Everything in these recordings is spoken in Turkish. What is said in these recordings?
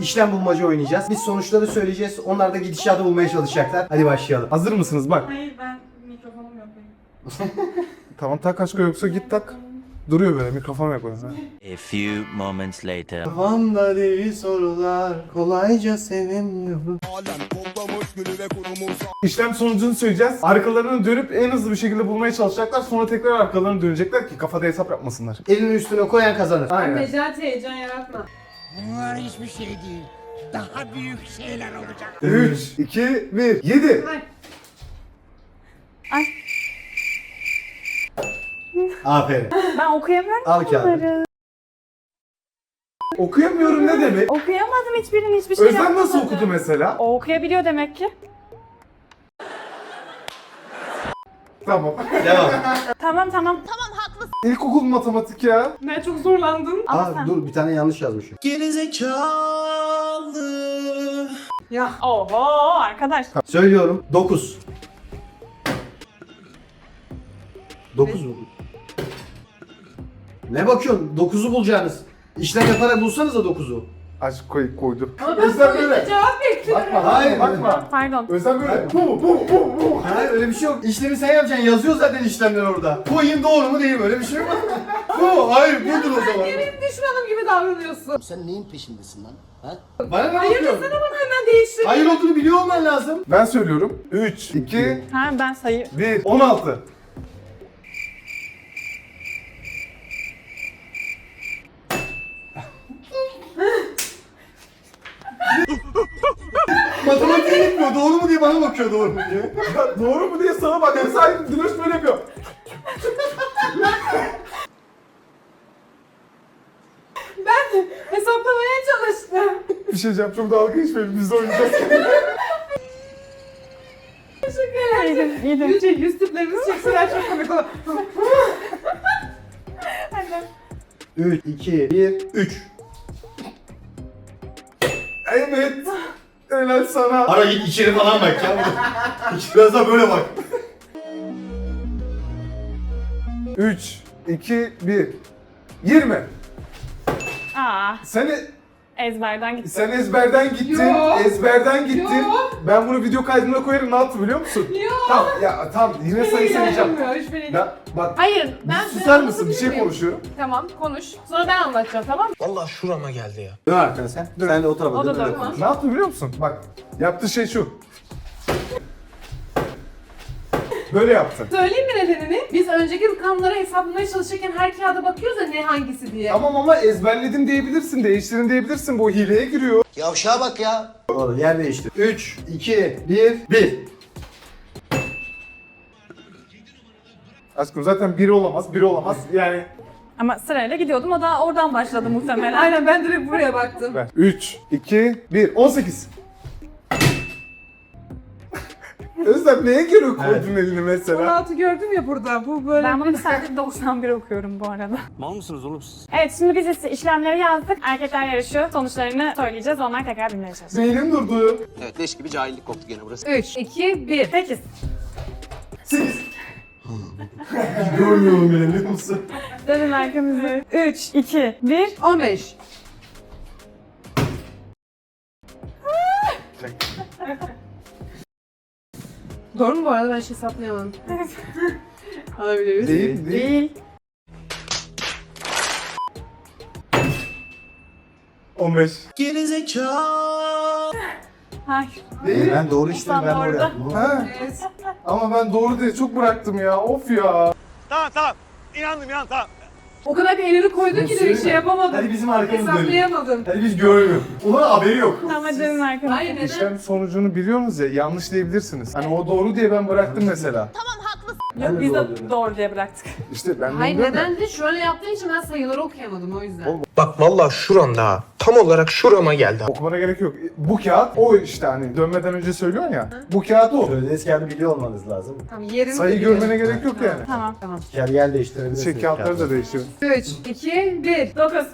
işlem bulmaca oynayacağız. Biz sonuçları söyleyeceğiz. Onlar da gidişatı bulmaya çalışacaklar. Hadi başlayalım. Hazır mısınız? Bak. Hayır ben mikrofonum yok benim. Tamam tak aşkım, yoksa git tak. Duruyor böyle, mikrofon yok orada. A few moments later. Kafamda deli sorular kolayca sevemiyorum. İşlem sonucunu söyleyeceğiz. Arkalarını dönüp en hızlı bir şekilde bulmaya çalışacaklar. Sonra tekrar arkalarını dönecekler ki kafada hesap yapmasınlar. Elini üstüne koyan kazanır. Aynen. Necati heyecan yaratma. Bunlar hiçbir şey değil. Daha büyük şeyler olacak. 3, 2, 1, 7. Ay. Aferin. Ben okuyamıyorum Al kağıdı. bunları. Okuyamıyorum ne demek? Okuyamadım hiçbirini, hiçbir şey Özlem nasıl yapamadım. okudu mesela? O okuyabiliyor demek ki. Tamam. Devam. Tamam. İlkokul matematik ya. Ben çok zorlandım. Ama sen... Dur bir tane yanlış yazmışım. Ya. Oho arkadaş. Söylüyorum. 9. 9 mu? Ne bakıyorsun? 9'u bulacaksınız. İşlem yaparak bulsanız da 9'u. Aşk koydu. Ama ben Özlem böyle. cevap bekliyorum. Bakma, Hayır. bakma. Pardon. Özlem böyle. Bu. Hayır öyle bir şey yok. İşlemi sen yapacaksın. Yazıyor zaten işlemler orada. Koyayım doğru mu değil mi? Öyle bir şey yok. Bu. Hayır budur o zaman. Benim düşmanım gibi davranıyorsun. Sen neyin peşindesin lan? Ha? Bana ne Hayır bakıyorsun? desene bak hemen değiştir. Hayır olduğunu biliyor olman lazım. Ben söylüyorum. 3, 2, Ha ben sayı. 1, 16. Matematiğe gitmiyor. Doğru mu diye bana bakıyor doğru mu diye. Ya doğru mu diye sana bak. Mesela Diloş böyle yapıyor. Ben hesaplamaya çalıştım. Bir şey diyeceğim, çok dalga geçmeyelim, biz de oynayacağız. Teşekkür ederim. Yüz tiplerimizi çekseler çok komik olur. Hadi. 3, 2, 1, 3. Evet. Helal sana. Ara git içeri falan bak ya. Biraz da böyle bak. 3, 2, 1. 20. Aa, Sen ezberden gitti. sen ezberden gittin. Yo. Ezberden gittin. Yo. Ben bunu video kaydına koyarım. Ne yaptı biliyor musun? Yok. Tamam ya, tamam, yine sayı sayacağım. Hiçbiri Bak, Hayır, ben susar mısın? Bir şey konuşuyorum. Tamam, konuş. Sonra ben anlatacağım, tamam mı? Vallahi şurama geldi ya. Dön arkana sen. Sen de o tarafa O da dön. öyle dön. konuş. Ne yaptı biliyor musun? Bak, yaptığı şey şu. Böyle yaptı. Söyleyeyim mi nedenini? Biz önceki rakamları hesaplamaya çalışırken her kağıda bakıyoruz ya ne hangisi diye. Tamam ama ezberledim diyebilirsin, değiştirin diyebilirsin. Bu hileye giriyor. Yavşağa bak ya. Doğru yer değiştir. 3, 2, 1, 1. Aşkım zaten biri olamaz, biri olamaz. Yani Ama sırayla gidiyordum, o da oradan başladı muhtemelen. Aynen, ben direkt buraya baktım. ver. 3, 2, 1. 18. Özlem neye göre koydun elini mesela? 16 gördüm ya burada, bu böyle... Ben bunu sadece 91 okuyorum bu arada. Mal mısınız oğlum siz? Evet, şimdi biz işlemleri yazdık. Erkekler yarışıyor, sonuçlarını söyleyeceğiz. Onlar tekrar bilmeye çalışacak. Beynim durdu. Evet leş gibi cahillik koptu gene burası. 3, 2, 1. 8. 8. Görmüyorum bile biliyor musun? Dönün arkamızı. 3, 2, 1. 15. Doğru mu bu arada? Ben hiç hesaplayamadım. Alabiliriz. Değil, değil. Değil. 15. Hayır. Değil. Ben doğru işlemi ben Doğru. doğru yaptım. Ha? Evet. Ama ben doğru diye çok bıraktım ya. Of ya. O kadar bir elini koydun ki direkt şey yapamadım. Hadi bizim arkamızı dönün. Hesaplayamadım. Hadi biz görmüyoruz. Ulan haberi yok. Tamam, dönün arkamızı. Hayır, neden? İşlem sonucunu biliyorsunuz ya, yanlış diyebilirsiniz. Hani o doğru diye ben bıraktım mesela. Yok, biz de doğru diye bıraktık. İşte ben Hayır, bilmiyorum ya. neden de şöyle yaptığın için ben sayıları okuyamadım o yüzden. Bak vallahi şuramda tam olarak şurama geldi. Okumana gerek yok. Bu kağıt o işte, hani dönmeden önce söylüyorsun ya. Bu kağıt o. Söylediğiniz kağıdı biliyor olmanız lazım. Tamam, yerini Sayı biliyorum. görmene gerek yok yani. Tamam. Tamam. Yer değiştirebilirsiniz. Şey, kağıtları da değiştirin. 3, 2, 1. 9.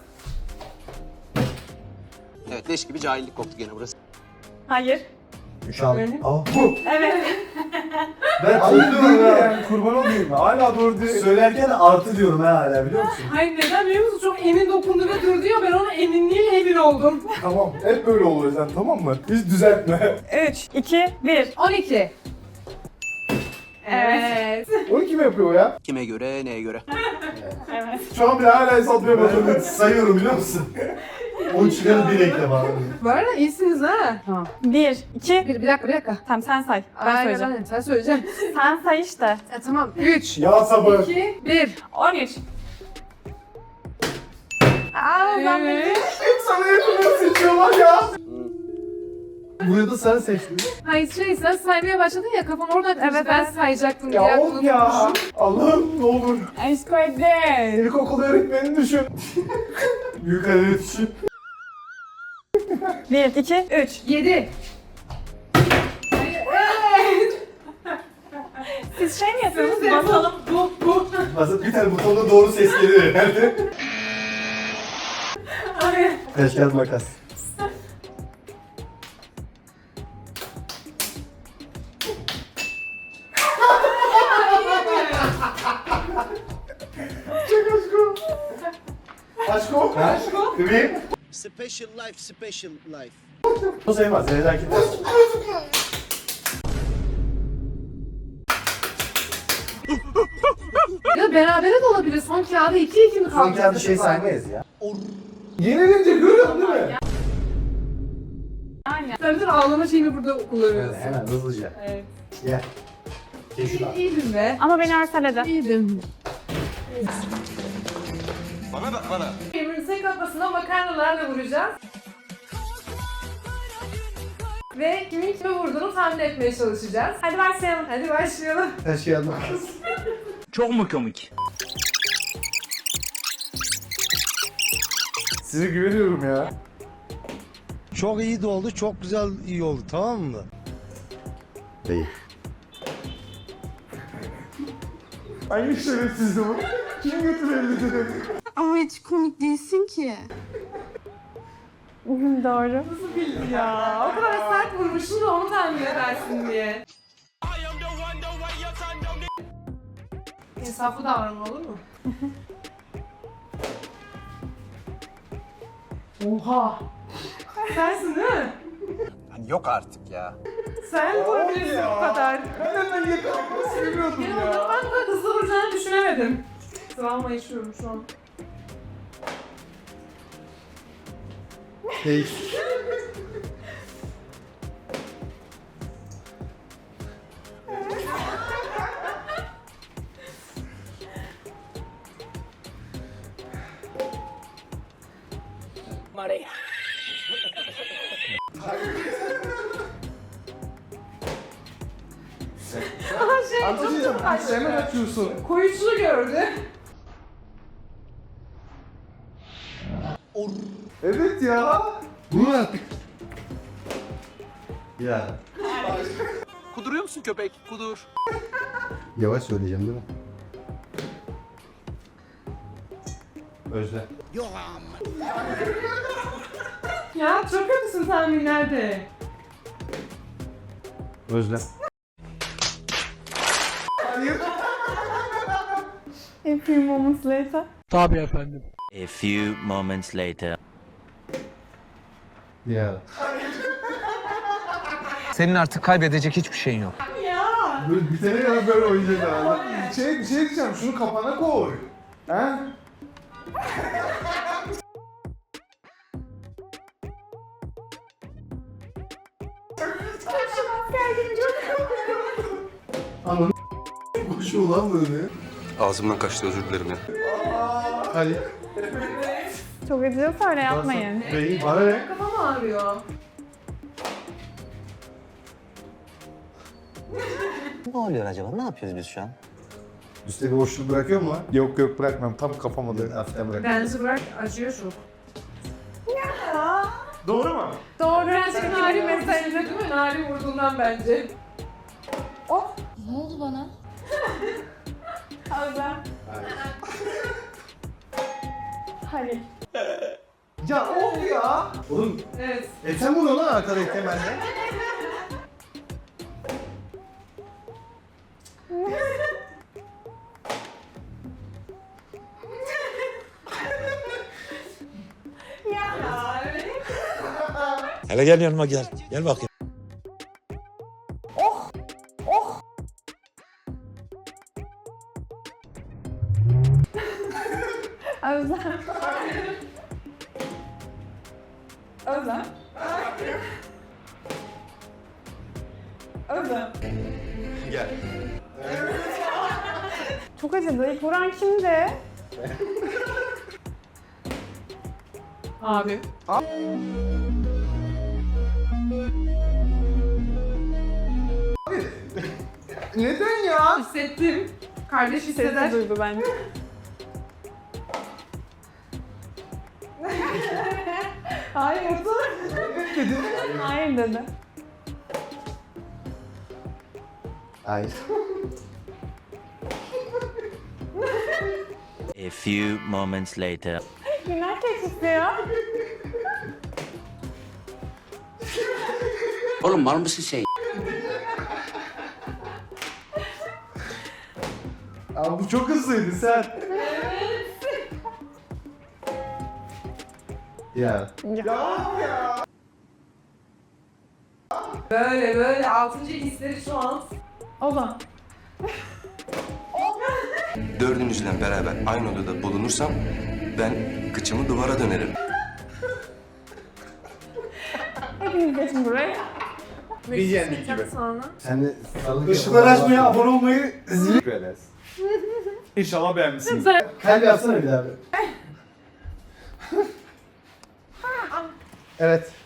Evet leş gibi cahillik koptu gene burası. Hayır. 3 al. Öyle. Aa, Bu. Evet. söylerken. Ben Hayır değil anlıyorum ya. yani kurban olayım. Hala doğru değil. Söylerken artı diyorum ha hala biliyor musun? Hayır neden biliyor musun? Çok emin dokundu ve durdu ya, ben ona eminliğe emin oldum. Tamam. Hep böyle oluyor sen, tamam mı? Hiç düzeltme. 3, 2, 1. 12. Evet. 12 mi yapıyor o ya? Kime göre, neye göre? Evet. Şu an bile hala hesaplayamadım. Ben sayıyorum biliyor musun? 10 çıkarı bir ekle bana. Bu arada iyisiniz ha. Tamam. 1, 2. Bir dakika. Tamam sen say. Ben Aynen, söyleyeceğim. aynen. Sen söyleyeceksin. Sen say işte. Tamam. 3, Ya sabır. 2, 1. 13. Aa ben Evet. Hep sana yakını seçiyorlar ya. Buraya da sen seçtin. Hayır sen saymaya başladın ya, kafam oradan karıştı. Evet, Ben evet. sayacaktım diye Ya aklımda of ya. tutmuşum. Allah'ım ne olur. Aşk öyle. İlkokul öğretmenini düşün. Büyük halde düşün. 1, 2, 3. 7. Evet. Siz şey mi yapıyorsunuz? Basalım. Bu. Aslında bir tane butonda doğru ses geliyor herhalde. Ay. Taş kağıt makas. Aşko. Aşko. Bebeğim. Special life, special life. O sayılmaz. Zeynep Ya berabere de olabilir. Son kağıda 2-2 mi kaldı? Son kağıdı şey saymayız ya. Yenilince görüyorsun değil mi? Tabii ağlama şeyini burada kullanıyoruz. Hemen hızlıca. Evet. Gel. Gel şuradan. İyiydin be. Ama beni örseledi. İyiydin. Bana. Birbirimize kafasına makarnalarla vuracağız. Ve kimin kime vurduğunu tahmin etmeye çalışacağız. Hadi başlayalım. Hadi başlayalım. Taş kağıt makas. Çok mu komik? Size güveniyorum ya. Çok iyi de oldu, çok güzel iyi oldu, tamam mı? Değil. Hangi şerefsizdi bu? Kim götürebildi dedi. Ama hiç komik değilsin ki. Doğru. Ya o kadar sert vurmuşsun da onu tahmin edersin diye. İnsaflı davranma, olur mu? Oha! Sensin değil mi? Yok artık ya. Sen vurabilirsin bu kadar. Ben hemen yakalamak seviyordum Benim ya. ben bu kadar hızlı vuracağını düşünemedim. Travma yaşıyorum şu an. Değil. Aha şey çok Anlatacağım. çok Sen hemen kaçtı. açıyorsun. Koyucunu gördü. Evet ya. Bu artık. Ya. Kuduruyor musun köpek? Kudur. Yavaş söyleyeceğim değil mi? Özle. Yok ama. Ya çok kötüsün tahminlerde. Özle. Hayır. A few moments later. A few moments later. Ya. Senin artık kaybedecek hiçbir şeyin yok. Böyle bitene kadar böyle oynayacak herhalde. Bir şey diyeceğim. Şunu kafana koy. He? Ananı koşuyor lan böyle. Ağzımdan kaçtı, özür dilerim ya. Hadi. Çok acıyorsa öyle yapmayın. Beyin bana ne? Kafam ağrıyor. Ne oluyor acaba? Ne yapıyoruz biz şu an? Üstte bir boşluk bırakıyor mu lan? Yok yok bırakmam. Tam kafama da. Hafiften bırak. Benzi bırak, acıyor çok. Doğru mu? Doğru. Birazcık Nari mesajı değil mi? Nari vurduğundan bence. Ne oldu bana? Halil. Ya of ya. Oğlum Evet. sen bunu lan arkadayken bende. Hele gel yanıma gel. Gel bakayım. Özlem. Özlem. Özlem. Gel. Çok acıdı. İlk vuran kimdi? Abi. Neden ya? Hissettim. Kardeş hisseder. Sesi duydu bence. Hayır. Hayır dedi. Hayır. A few moments later. Günler keçisi ya. Oğlum mal mısın sen? Abi bu çok hızlıydı sen. Ya. Böyle 6. hisleri şu an. Ozan. Dördünüzle beraber aynı odada bulunursam ben kıçımı duvara dönerim. Hepiniz geçin buraya. Bir yendik gibi. Sonra. Sen de sarılık Işıkları açmayı, abone olmayı, zil. İnşallah beğenmişsiniz. Kalp yapsana bir daha. Evet.